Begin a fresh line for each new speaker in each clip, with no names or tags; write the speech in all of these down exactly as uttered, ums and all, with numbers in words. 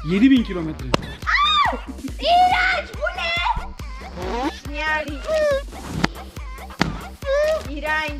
yedi bin kilometre.
İğrenç, bu ne? Yani. İğrenç.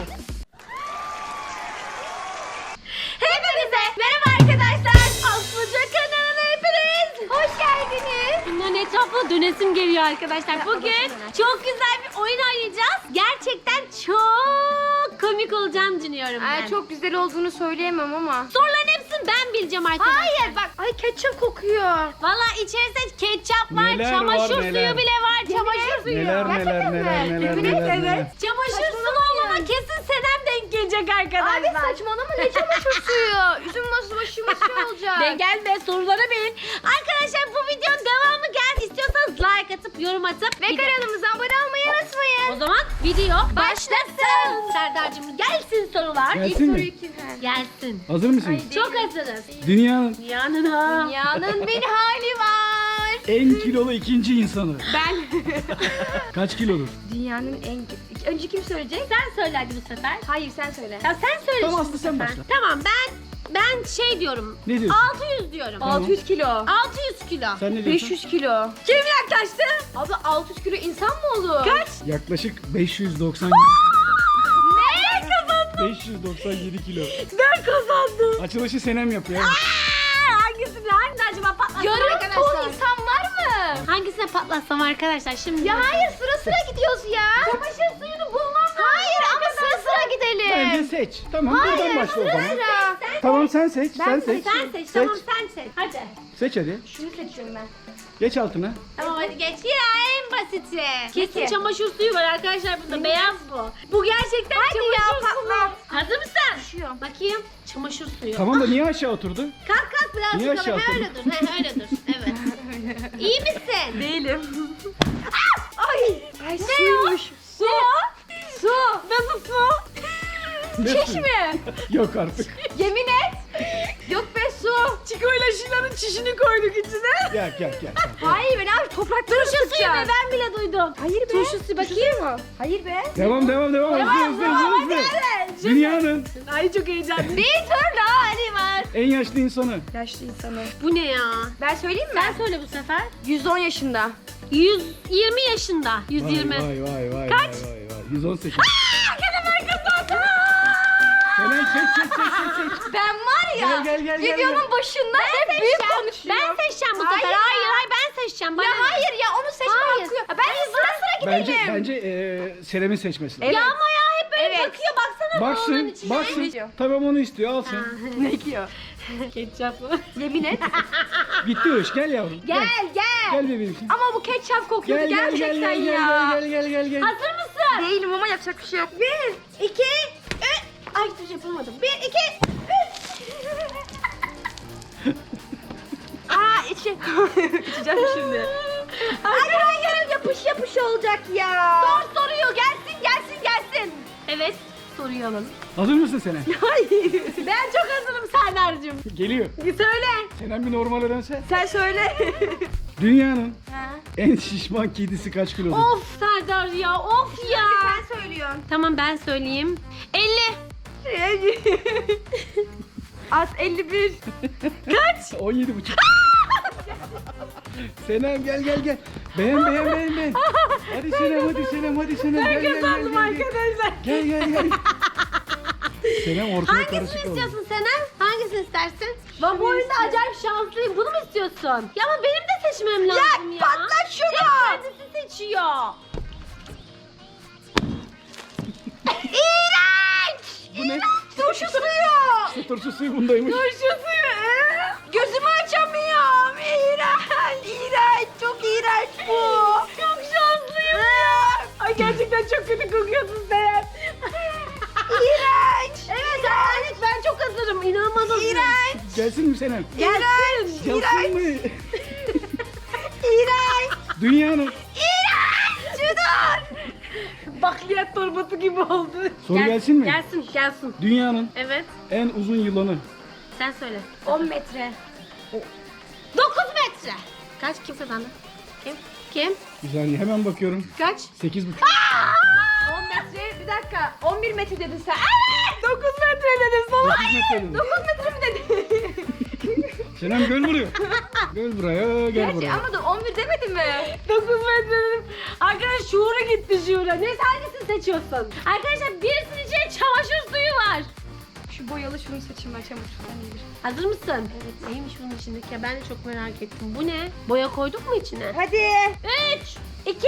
Hepinize merhaba arkadaşlar. Aslıca kanalına hepiniz hoş geldiniz.
Bunların etrafına dönesim geliyor arkadaşlar. Bugün çok güzel bir oyun oynayacağız. Gerçekten çok komik olacağını düşünüyorum ben.
Ay, çok güzel olduğunu söyleyemem ama.
Soruların hepsini ben bileceğim arkadaşlar.
Hayır bak, ay ketçap kokuyor.
Valla içerisinde ketçap var,
Neler
çamaşır
var,
suyu
neler.
bile var, çamaşır suyu.
Neler neler
Gerçekten mi?
neler neler
Yemin
neler
ederim.
neler.
Çamaşır suyu olmama kesin Senem denk gelecek arkadaşlar.
Abi saçmalama, ne çamaşır suyu? Üzüm nasıl başımız şey olacak.
De gelme, sorulara bilin. Arkadaşlar bu videonun devamı geldi. İstiyorsanız like atıp yorum atıp
Ve
bir de-
kanalımıza abone olmayı unutmayın.
O zaman video başlasın. Serdar'cığım gelsin sorular.
Gelsin mi?
kim?
Gelsin.
Hazır mısın?
Çok hazırız.
Dünyanın
Yanına.
Dünyanın bir hali var.
en kilolu ikinci insanı.
Ben.
Kaç kilodur?
Dünyanın en... Önce kim söyleyecek?
Sen söyle hadi bu sefer.
Hayır, sen söyle.
Ya sen söyle
Tamam,
şimdi
Aslı,
bu
sen
sefer.
başla.
Tamam ben ben şey diyorum.
Ne diyorsun?
altı yüz diyorum.
Tamam.
altı yüz kilo.
altı yüz kilo.
Sen ne diyorsun?
beş yüz kilo.
Kim yaklaştı?
Abi altı yüz kilo insan mı olur?
Kaç?
Yaklaşık beş yüz doksan
Ne kazandın?
beş yüz doksan yedi kilo.
Ben kazandım.
Açılışı Senem yapıyor.
Aa, hangisini hangisi acaba patlatsam
Yarım
arkadaşlar?
ton insan var mı?
Hangisine patlatsam arkadaşlar şimdi?
Ya hayır, sıra sıra gidiyoruz ya.
Çamaşır suyunu bulmam lazım.
Hayır ama sıra sıra gidelim.
Bence seç. Tamam, buradan başla o zaman.
Sıra.
Tamam, sen seç.
Ben
sen
seç-
seç.
Sen seç, tamam sen seç. Hadi.
Seç hadi.
Şunu seçiyorum ben.
Geç altına.
Tamam hadi geç. Ya en basiti. Kesin
Peki.
çamaşır suyu var arkadaşlar burada. Beyaz bu. Bu gerçekten
Hadi ya,
çamaşır suyu.
patla.
Hazır mısın?
Düşüyorum.
Bakayım. Çamaşır suyu.
Tamam da niye aşağı oturdu?
Kalk kalk birazcık
Niye
öyle.
aşağı
Ha, öyle dur. Ha, öyle dur. Evet. İyi misin?
Değilim. Ay. Ay
Ne
suymuş.
Su. Su. Nasıl su?
Ne
Çiş
su?
mi?
Yok artık.
Yemin et. Yok be, su.
Çikoyla Şila'nın çişini koyduk içine.
Gel gel gel.
Hayır be abi, toprakları
Turşu suyu be
sıkacağız.
ben bile duydum.
Hayır be.
Turşu suyu bakayım.
mu? Hayır be.
Devam devam devam. Hızlı hızlı hızlı hızlı. Dünyanın
Ay çok heyecanlı.
Bir tur daha hali var.
en yaşlı insanı.
Yaşlı insanı.
Bu ne ya?
Ben söyleyeyim mi?
Sen söyle bu sefer.
yüz on yaşında.
yüz yirmi yaşında. yüz yirmi.
Vay vay vay.
Kaç?
Vay, vay, vay. yüz on sekiz.
Hemen kızlarsın.
Senem seç seç seç seç seç.
Ben var ya,
Gel, gel, gel, gel,
videonun
gel.
başında hep büyük konuşuyorum.
Ben seçeceğim bu sefer.
Hayır
Hayır
ya.
hayır, ben seçeceğim. Bana
Ya
ne?
hayır ya, onu seçme
Hayır.
hakkı yok. Ya Ben sıra sıra
Bence
gidelim.
bence eee Senem'in seçmesi lazım.
Evet.
Ya ama ya hep böyle
Evet.
bakıyor. Baksana bu onun
Baksın,
içine.
baksın. Tamam, onu istiyor, alsın.
Ne diyor?
Ketçap mı?
Yemin et.
Bitti o iş, gel yavrum.
Gel gel.
Gel bebeğim.
Ama bu ketçap kokuyor
Gel gel gel
gerçekten
gel gel
ya.
gel gel gel gel.
Hazır mısın?
Değilim ama yapacak bir şey yok. Bir,
İki, üç. Ay hiçbir şey yapamadım. Bir, iki, üç.
Aa içi. İçeceğim şimdi. Hayır hayır, yapış yapış olacak ya.
Sor soruyor. Gelsin gelsin gelsin. Evet. Soruyu alalım.
Hazır mısın Senem?
Hayır.
Ben çok hazırım Serdar'cığım.
Geliyor.
Söyle.
Senem bir normale dönse.
Sen söyle.
Dünyanın
Ha.
en şişman kedisi kaç kilodur?
Of Serdar ya of ya.
Sen söylüyorsun.
Tamam ben söyleyeyim. elli.
Az elli bir.
Kaç?
on yedi buçuk. Senem gel gel gel. Beğen beğen beğen beğen. Hadi Senem hadi Senem hadi Senem. Gel gel gel
Kazandım
gel. Gel
arkadaşlar.
gel gel. gel. Senem ortaya
Hangisini
karışık oldu.
istiyorsun Senem? Hangisini istersin? Ben bu oyunda acayip şanslıyım. Bunu mu istiyorsun? Ya ama benim de seçmem lazım ya.
patlat şunu.
Hep kendisi seçiyor.
İğrenç.
Bu ne?
Turşu suyu.
İşte turşu suyu bundaymış.
Turşu suyu. Gözümü açamıyorum. İğrenç. İğrenç. Çok iğrenç bu.
Çok şanslıyım ya. Ay gerçekten çok kötü kokuyorsun sen.
İğrenç.
Evet evet ben çok hazırım. İnanılmaz hazırım.
İğrenç.
Gelsin mi Senem?
İğrenç.
Gelsin mi?
İğrenç.
Dünyanın.
İğrenç. Cüdan.
Bakliyat torbası gibi oldu.
Soru gelsin mi?
Gelsin gelsin.
Dünyanın
Evet
en uzun yılanı.
sen söyle.
on metre.
dokuz metre. Kaç kim kazandı? Kim? Kim?
Bir saniye hemen bakıyorum.
Kaç?
sekiz buçuk.
on metre. Bir dakika. on bir metre dedin sen. Evet. dokuz metre dedin salak.
dokuz metre dedim.
dokuz metre mi dedin?
Senem gel buraya. Gel buraya, gel
Gerçi
buraya.
ama da on bir demedin mi?
dokuz metre dedim. Arkadaş şuura gitti şuura. Neyse hangisini seçiyorsun? Arkadaşlar birisinin içine çamaşır suyu var.
Şu boyalı şunu seçeyim ben çamaşırdan iyidir.
Hazır mısın? Evet. Neymiş bunun içindeki ya? Ben de çok merak ettim. Bu ne? Boya koyduk mu içine?
Hadi.
üç, iki.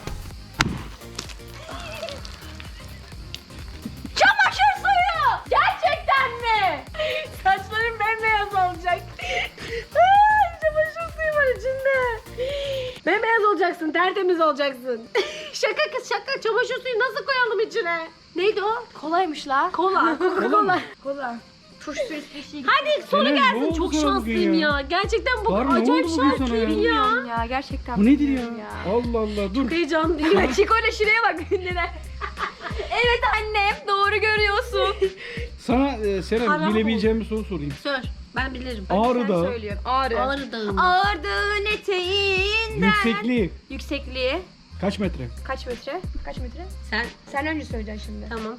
Çamaşır suyu! Gerçekten mi? Saçlarım bembeyaz olacak. Ay, çamaşır suyu var içinde. Bembeyaz olacaksın, tertemiz olacaksın. Şaka kız şaka. Çamaşır suyu nasıl koyalım içine? Neydi o?
Kolaymış la.
Kola. Coca-Cola.
Kola. Turşu bir şey.
Hadi sonu
Senem, ne
gelsin.
oldu
Çok
sana bugün
şanslıyım ya.
ya?
Gerçekten bu
Var mı? Ne
acayip
oldu bugün sana
şanslıyım
ya?
ya.
Ya gerçekten.
Bu nedir ya?
bilmiyorum
Allah Allah dur.
Heyecanlıyım.
Ya Chico ile şuraya bak günlere. Evet annem doğru görüyorsun.
Sana e, Senem
Haram
bilebileceğim bir soru sorayım.
Sor. Ben bilirim.
Ağrı
Sen
Dağı
söylüyorsun. Ağrı.
Ağrı Dağı mı?
Ağrı Dağı'nın eteğinden.
yüksekliği
Yüksekliği.
kaç metre?
Kaç metre? Kaç metre?
Sen
Sen önce söyleyeceksin şimdi.
tamam.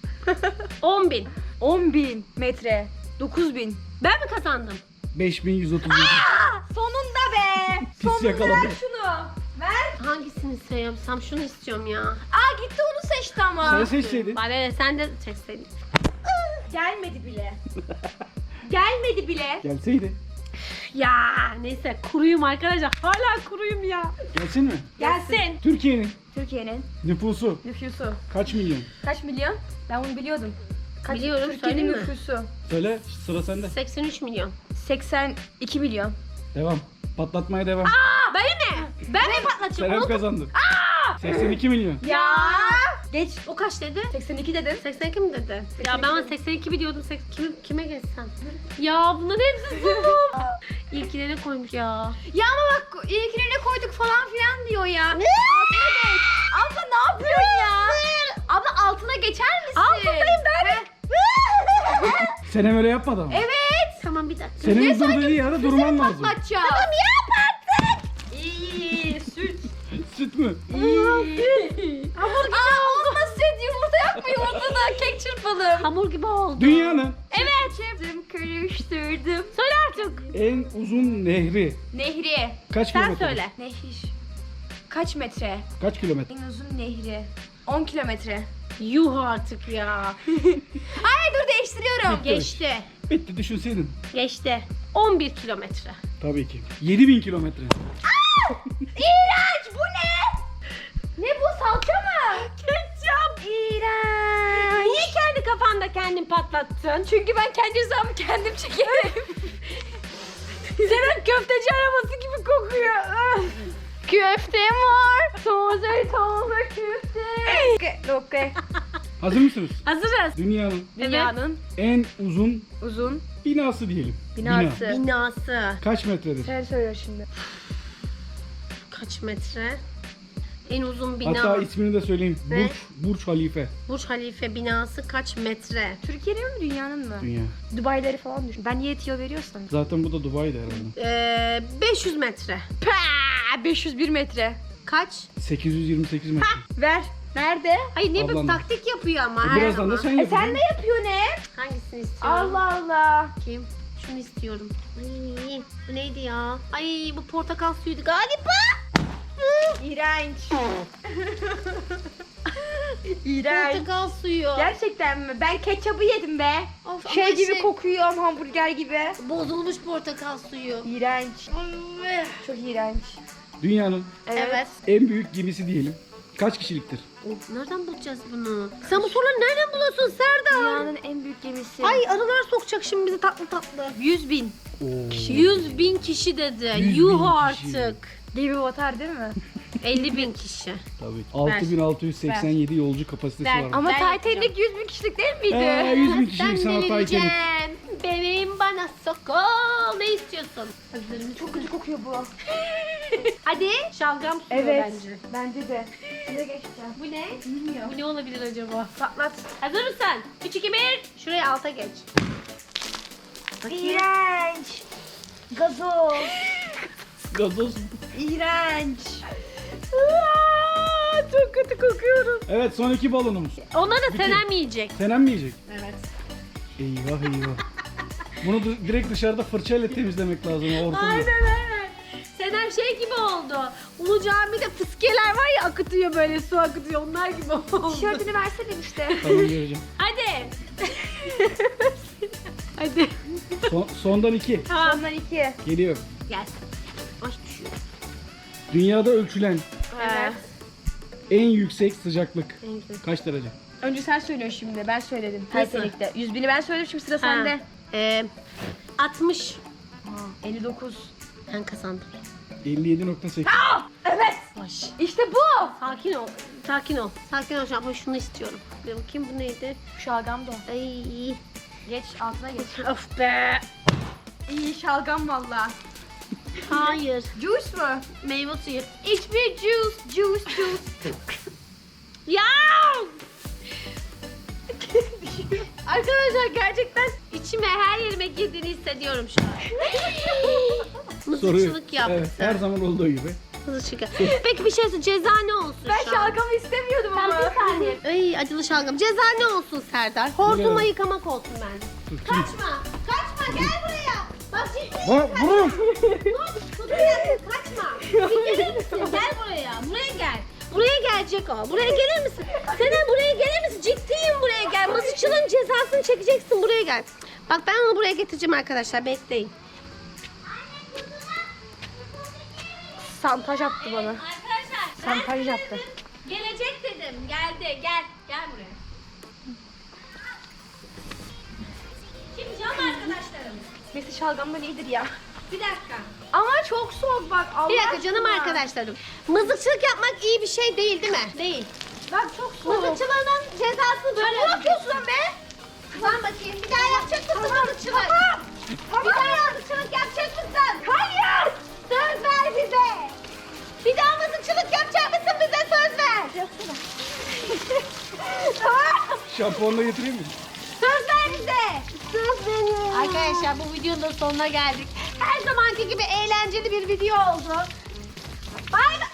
on bin.
on bin metre. dokuz bin.
Ben mi kazandım?
beş bin yüz otuz yedi.
Sonunda be.
Pis
Sonunda
yakaladı.
ver şunu. Ver.
Hangisini seçsem? Şunu istiyorum ya.
Aa gitti onu seçti ama.
Sen seçseydin.
Bana ne, sen de seçseydin.
Gelmedi bile. Gelmedi bile.
Gelseydi.
Ya neyse kuruyum arkadaşlar. Hala kuruyum ya.
Gelsin mi?
Gelsin.
Türkiye'nin
Türkiye'nin
nüfusu
nüfusu.
kaç milyon?
Kaç milyon? Ben bunu biliyordum. Kaç,
Biliyorum,
Türkiye'nin
söyleyeyim mi?
nüfusu.
Söyle sıra sende.
seksen üç milyon.
seksen iki milyon.
Devam. Patlatmaya devam.
Aa, ben mi? Ben mi patlatacağım?
Senem
Onu-
kazandı. seksen iki milyon.
Ya. Geç.
O kaç dedi?
seksen iki dedin.
seksen iki mi dedi? Ya ben
seksen iki.
seksen iki biliyordum. Sek- Kime, kime geçsem? Ya bunların hepsi zulüm. İlkine ne koymuş ya?
Ya ama bak ilkine ne koyduk falan filan diyor ya. Altına geç. Abla ne yapıyorsun ya? Abla altına geçer misin?
Altındayım ben.
Senem öyle yapmadı ama.
Evet.
Tamam bir dakika.
Senin dur dediği yerde durman lazım.
Patlatacağız. Tamam yap artık. İyi süt.
Süt mü?
İyi. Hamur gibi Aa, oldu. Süt yumurta yapma yumurta da kek çırpalım.
Hamur gibi oldu.
Dünyanın
Evet. Çırptım karıştırdım.
Söyle artık.
en uzun nehri
Nehri.
kaç
Sen
kilometre?
söyle.
Nehir. Kaç metre?
Kaç kilometre?
En uzun nehri. on kilometre.
Yuh artık ya.
Ay dur değiştiriyorum.
Geçti.
Bitti düşünseydin.
Geçti. on bir kilometre.
Tabii ki. yedi bin kilometre.
İğrenç bu ne? Ne bu salça mı?
Ketçap.
İğrenç.
Niye kendi kafanda kendin patlattın?
Çünkü ben kendi hesabımı kendim çekerim.
Senin köfteci arabası gibi kokuyor.
Köfte var. Taze taze köfte. Okey, okey.
Hazır mısınız?
Hazırız.
Dünyanın
Dünyanın
en uzun
uzun
binası diyelim.
binası.
Bina.
Binası.
Kaç metredir?
Sen söyle şimdi.
Kaç metre? En uzun bina.
Hatta ismini de söyleyeyim.
Ne?
Burç, Burç Halife.
Burj Halife binası kaç metre?
Türkiye'nin mi dünyanın mı?
Dünya.
Dubai'leri falan düşün. Ben niye tiyo veriyorsam.
Zaten bu da Dubai'de herhalde.
Ee, beş yüz metre.
Paa, beş yüz bir metre.
Kaç?
sekiz yüz yirmi sekiz metre.
Ver. Nerede?
Hayır ne bir
Ablam da.
taktik yapıyor ama
E,
her
birazdan
zaman.
da sen
E
yapacaksın.
sen ne yapıyorsun hep?
Hangisini istiyorum?
Allah Allah.
Kim? Şunu istiyorum. Ay, bu neydi ya? Ay bu portakal suyuydu galiba.
İğrenç. İğrenç.
Portakal suyu.
Gerçekten mi? Ben ketçabı yedim be.
Of,
Şey
ama
gibi kokuyor hamburger gibi.
Bozulmuş portakal suyu.
İğrenç. Çok iğrenç.
Dünyanın
Evet.
en büyük gemisi diyelim. Kaç kişiliktir?
Of, nereden bulacağız bunu? Sen bu soruları nereden buluyorsun Serdar?
Dünyanın en büyük gemisi.
Ay arılar sokacak şimdi bizi tatlı tatlı.
yüz bin.
Oo.
yüz bin kişi dedi.
yüz
Yuh
bin kişi.
artık.
Gemi batar değil mi?
elli bin kişi.
Tabii. altı bin altı yüz seksen yedi yolcu kapasitesi
Ver.
var.
Ama
Ben
Titanic yüz bin kişilik değil miydi?
Ee, yüz bin kişilik
Sen
sana Titanic.
delireceğim. Bebeğim bana sokol. Ne istiyorsun? Hazır mısın?
Çok kötü kokuyor bu.
Hadi şalgam suyu
Evet.
bence.
Bence de. Şuraya geçeceğim.
Bu ne?
Bilmiyorum.
Bu ne olabilir acaba?
Patlat.
Hazır mısın? üç, iki, bir. Şuraya alta geç. Bakayım.
İğrenç. Gazoz.
Gazoz.
İğrenç.
Aa, çok kötü kokuyorum.
Evet son iki balonumuz.
Onları da
Bitti.
Senem yiyecek.
Senem mi yiyecek?
Evet.
Eyvah eyvah. Bunu du- direkt dışarıda fırçayla temizlemek lazım o ortamı.
Aynen aynen. Senem şey gibi oldu. Ulu Cami'de fıskiyeler var ya akıtıyor böyle su akıtıyor. Onlar gibi oldu.
Tişörtünü versene işte.
Tamam vereceğim.
Hadi. Hadi.
Son, sondan iki.
Tamam.
Ondan iki.
Geliyor.
Gelsin. Ay düşüyor.
Dünyada ölçülen
Evet.
en yüksek sıcaklık
En yüksek.
kaç derece?
Önce sen söylüyorsun şimdi. Ben söyledim.
Nasıl?
Titanic'te. yüz bini ben söyledim şimdi sıra sende.
Ee, altmış.
elli dokuz.
Ben kazandım.
elli yedi nokta sekiz.
Evet.
Baş.
İşte bu.
Sakin ol. Sakin ol. Sakin ol. Ama şunu istiyorum. Bir bakayım bu neydi?
Şalgam da.
Ay.
Geç altına geç.
Of be.
İyi şalgam valla.
Hayır.
Juice mu?
Meyve suyu.
Hiçbir juice. Juice juice.
Ya!
Arkadaşlar gerçekten
İçime her yerime girdiğini hissediyorum şu an.
Soruyu.
Mızıkçılık yaptı.
Evet, her zaman olduğu gibi.
Mızıkçılık. Peki bir şey söyle. Ceza ne olsun
Ben
şu an?
şalgamı istemiyordum
Sen
ama.
bir saniye. Ay acılı şalgam. Ceza ne olsun Serdar? Hortuma
Biliyorum.
yıkamak olsun bence.
Dur,
Kaçma. Kaçma gel buraya. Bak ciddi.
Ha, vurun.
Kutu yaptın kaçma. Bir gelir misin? Gel buraya. Buraya gel. Buraya gelecek o. Buraya gelir misin? Senem buraya gelir misin? Ciddiyim buraya gel. Mızıkçılığın cezasını çekeceksin. Buraya gel. Bak ben onu buraya getireceğim arkadaşlar. Bekleyin.
santaj attı bana.
Arkadaşlar
Santaj yaptı.
gelecek dedim. Geldi. Gel. Gel buraya. Şimdi cam arkadaşlarım.
Messi şalgamdan iyidir ya.
Bir dakika.
Ama çok soğuk bak. Allah
Bir dakika canım
aşkına.
arkadaşlarım. Mızıkçılık yapmak iyi bir şey değil değil mi? Değil.
Bak çok soğuk.
Mızıkçılığının cezasını böyle
Ne yapıyorsun be?
Tamam bakayım. Bir daha yapacak mısın mızıkçılık? Bir daha mızıkçılık yapacak mısın?
Hayır.
Söz ver bize. Bir daha mızıkçılık yapacak mısın bize söz ver.
Şampuanla getireyim mi?
Söz ver bize. Söz verin. Arkadaşlar bu videonun da sonuna geldik. Her zamanki gibi eğlenceli bir video oldu. Bay bay.